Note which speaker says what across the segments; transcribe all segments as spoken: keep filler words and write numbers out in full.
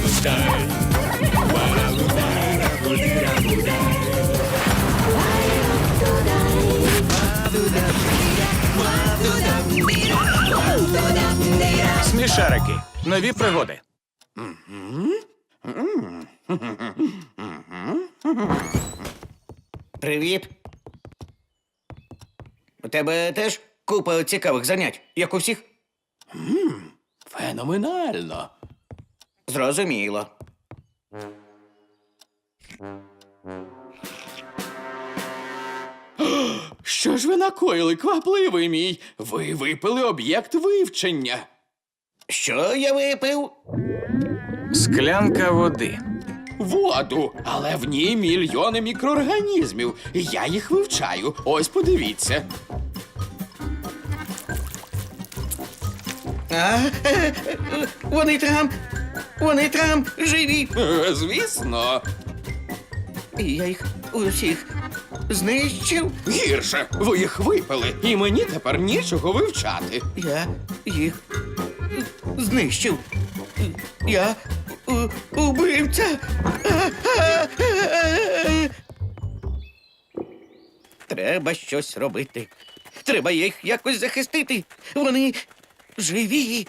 Speaker 1: Смішарики. Нові пригоди.
Speaker 2: Привіт. У тебе теж купа цікавих занять, як у всіх?
Speaker 3: Феноменально.
Speaker 2: Зрозуміло.
Speaker 3: Що ж ви накоїли, квапливий мій? Ви випили об'єкт вивчення.
Speaker 2: Що я випив?
Speaker 1: Склянка води.
Speaker 3: Воду, але в ній мільйони мікроорганізмів. Я їх вивчаю. Ось подивіться.
Speaker 2: А, е, е, вони там, вони там живі.
Speaker 3: Е, Звісно.
Speaker 2: І я їх усіх знищив.
Speaker 3: Гірше, ви їх випили, і мені тепер нічого вивчати.
Speaker 2: Я їх знищив. Я у- убивця. Треба щось робити. Треба їх якось захистити. Вони живі.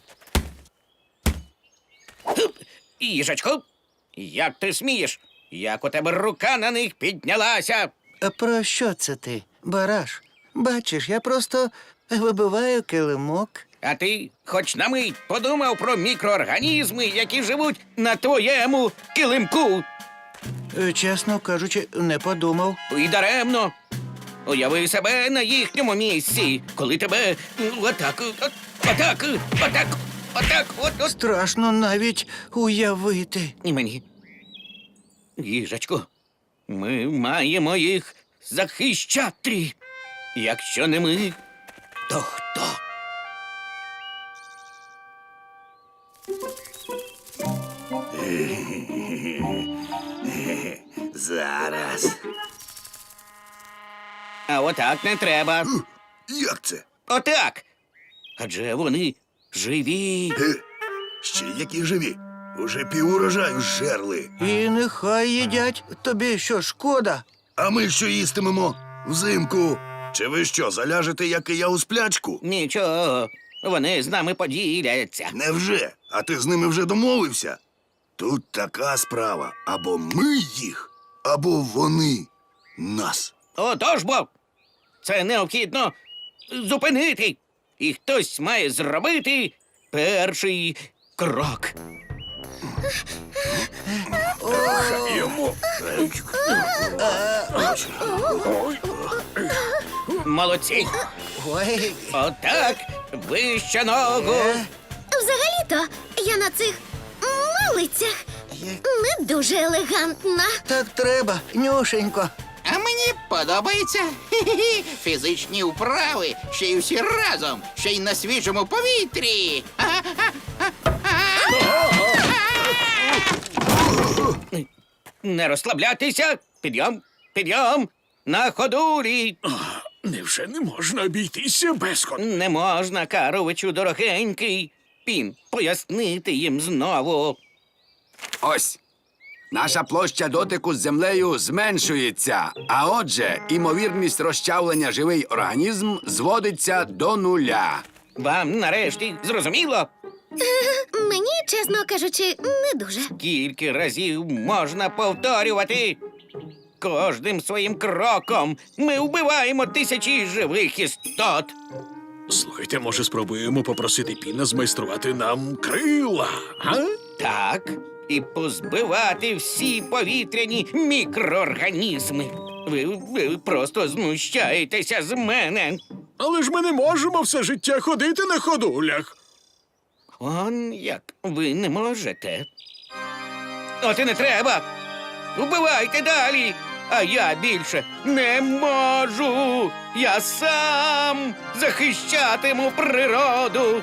Speaker 2: Хуп! Їжачко, як ти смієш? Як у тебе рука на них піднялася?
Speaker 4: А про що це ти, Бараш? Бачиш, я просто вибиваю килимок.
Speaker 2: А ти хоч на мить подумав про мікроорганізми, які живуть на твоєму килимку?
Speaker 4: Е, Чесно кажучи, не подумав.
Speaker 2: І даремно. Уяви себе на їхньому місці, коли тебе ну, отак, от- отак, отак, отак, от, от.
Speaker 4: Страшно навіть уявити.
Speaker 2: І мені. Їжачко, ми маємо їх захищати. Якщо не ми, то хто?
Speaker 5: Зараз.
Speaker 2: А отак не треба.
Speaker 5: Як це?
Speaker 2: Отак. Адже вони живі.
Speaker 5: Е, ще які живі. Уже півурожаю зжерли.
Speaker 4: І нехай їдять. Тобі що, шкода?
Speaker 5: А ми що їстимемо? Взимку. Чи ви що, заляжете, як і я у сплячку?
Speaker 2: Нічого, вони з нами поділяться.
Speaker 5: Невже? А ти з ними вже домовився? Тут така справа. Або ми їх, або вони нас.
Speaker 2: Отож бо, це необхідно зупинити. І хтось має зробити перший крок.
Speaker 5: Йому.
Speaker 2: Молодці.
Speaker 4: Ой,
Speaker 2: Отак, вище ногу.
Speaker 6: Взагалі-то я на цих малицях не дуже елегантна.
Speaker 4: так треба, Нюшенько.
Speaker 7: А мені подобається. Хі-хі-хі. Фізичні вправи, ще й всі разом, ще й на свіжому повітрі.
Speaker 2: Не розслаблятися. Підйом, підйом. На ходулі.
Speaker 8: Невже не можна обійтися без ходу?
Speaker 2: Не можна, Каровичу, дорогенький. Пін, пояснити їм знову.
Speaker 9: Ось. Наша площа дотику з землею зменшується, а отже, імовірність розчавлення живий організм зводиться до нуля.
Speaker 2: Вам нарешті зрозуміло?
Speaker 6: Мені, чесно кажучи, не дуже.
Speaker 2: Скільки разів можна повторювати? Кожним своїм кроком ми вбиваємо тисячі живих істот.
Speaker 8: Слухайте, може, спробуємо попросити Піна змайструвати нам крила, а?
Speaker 2: Так, і позбивати всі повітряні мікроорганізми. Ви, ви просто знущаєтеся з мене.
Speaker 8: Але ж ми не можемо все життя ходити на ходулях.
Speaker 2: Он як ви не можете. От і не треба. Вбивайте далі. А я більше не можу. Я сам захищатиму природу.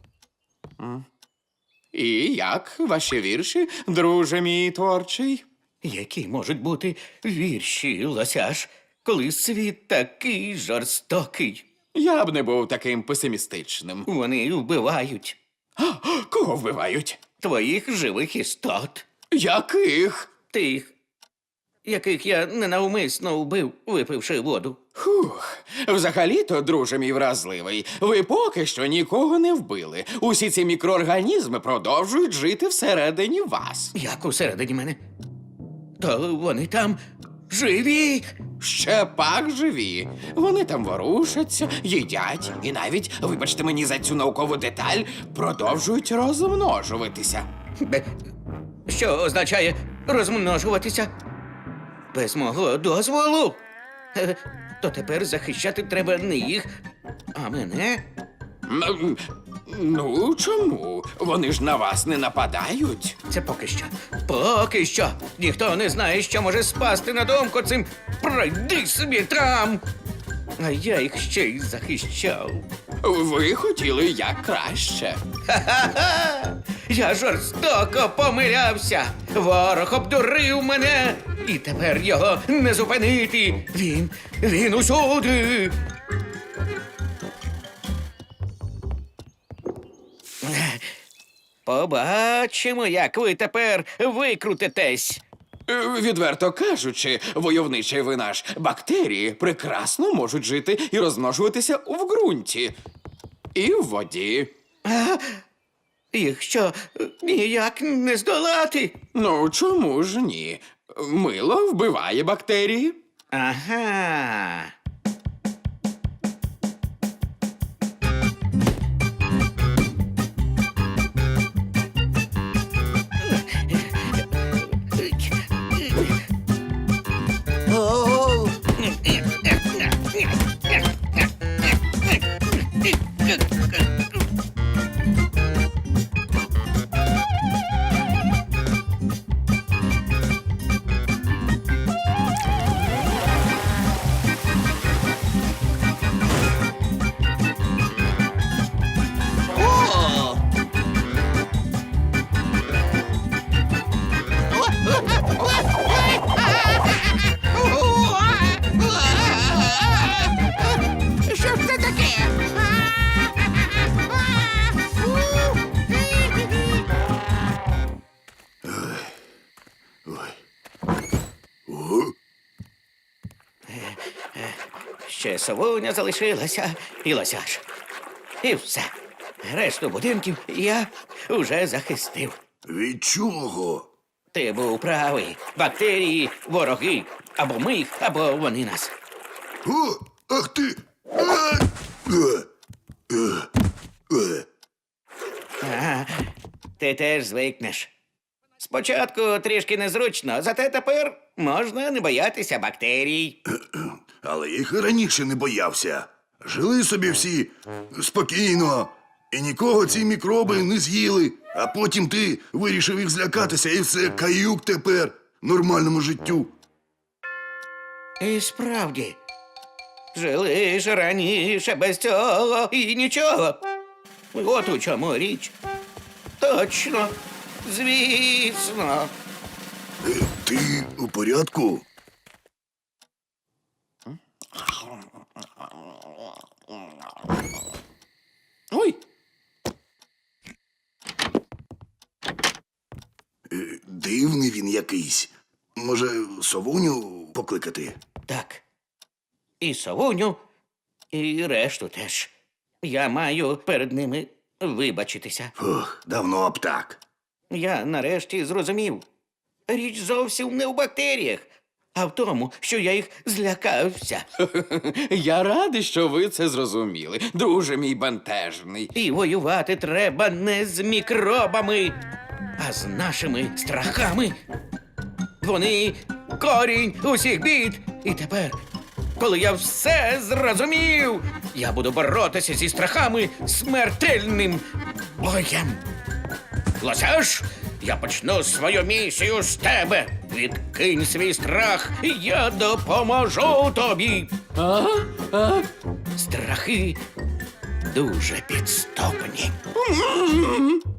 Speaker 3: І як ваші вірші, друже мій творчий?
Speaker 2: Які можуть бути вірші, лосяш, коли світ такий жорстокий?
Speaker 3: Я б не був таким песимістичним.
Speaker 2: Вони вбивають
Speaker 3: Кого вбивають?
Speaker 2: твоїх живих істот.
Speaker 3: Яких?
Speaker 2: Тих, яких я ненавмисно вбив, випивши воду.
Speaker 3: Фух, взагалі-то, друже мій вразливий, ви поки що нікого не вбили. Усі ці мікроорганізми продовжують жити всередині вас.
Speaker 2: Як усередині мене? То вони там живі.
Speaker 3: Ще пак живі. Вони там ворушаться, їдять і навіть, вибачте мені за цю наукову деталь, продовжують розмножуватися.
Speaker 2: Бе- Що означає розмножуватися? Без мого дозволу? Е, То тепер захищати треба не їх, а мене?
Speaker 3: М, Ну, чому? Вони ж на вас не нападають.
Speaker 2: Це поки що. Поки що. Ніхто не знає, що може спасти на думку цим пройди собі там. А я їх ще й захищав.
Speaker 3: Ви хотіли як краще.
Speaker 2: Ха-ха-ха! Я жорстоко помилявся. Ворог обдурив мене. І тепер його не зупинити. Він, він усюди. Побачимо, як ви тепер викрутитесь.
Speaker 3: Е, Відверто кажучи, войовничий ви наш, бактерії прекрасно можуть жити і розмножуватися в ґрунті. І в воді.
Speaker 2: Їх що, ніяк не здолати?
Speaker 3: Ну, чому ж ні? Мило вбиває бактерії.
Speaker 2: Ага.
Speaker 4: О,
Speaker 7: Що ж це таке?
Speaker 2: Ще совуня залишилася і лосяш. І все. Решту будинків я уже захистив.
Speaker 5: Від чого?
Speaker 2: Ти був правий. Бактерії, вороги. Або ми їх, або вони нас.
Speaker 5: О, ах ти! А! Е, е, е.
Speaker 2: Ага, ти теж звикнеш. Спочатку трішки незручно, зате тепер можна не боятися бактерій.
Speaker 5: Але їх і раніше не боявся. Жили собі всі спокійно, і нікого ці мікроби не з'їли. А потім ти вирішив їх злякатися, і все, каюк тепер нормальному життю.
Speaker 2: І справді, жили ж раніше без цього і нічого. От у чому річ. Точно, звісно.
Speaker 5: Е, Ти у порядку?
Speaker 3: Ой,
Speaker 5: Е, Дивний він якийсь. Може, совуню покликати?
Speaker 2: Так. І совуню, і решту теж. Я маю перед ними вибачитися.
Speaker 5: Ох, давно б так.
Speaker 2: Я нарешті зрозумів. Річ зовсім не в бактеріях, а в тому, що я їх злякався.
Speaker 3: я радий, що ви це зрозуміли, друже мій бентежний.
Speaker 2: І воювати треба не з мікробами, а з нашими страхами. Вони корінь усіх бід. І тепер, коли я все зрозумів, я буду боротися зі страхами смертельним боєм. Лосяш, я почну свою місію з тебе. Відкинь свій страх, і я допоможу тобі.
Speaker 3: А? А?
Speaker 2: Страхи дуже підступні.
Speaker 3: М-м-м.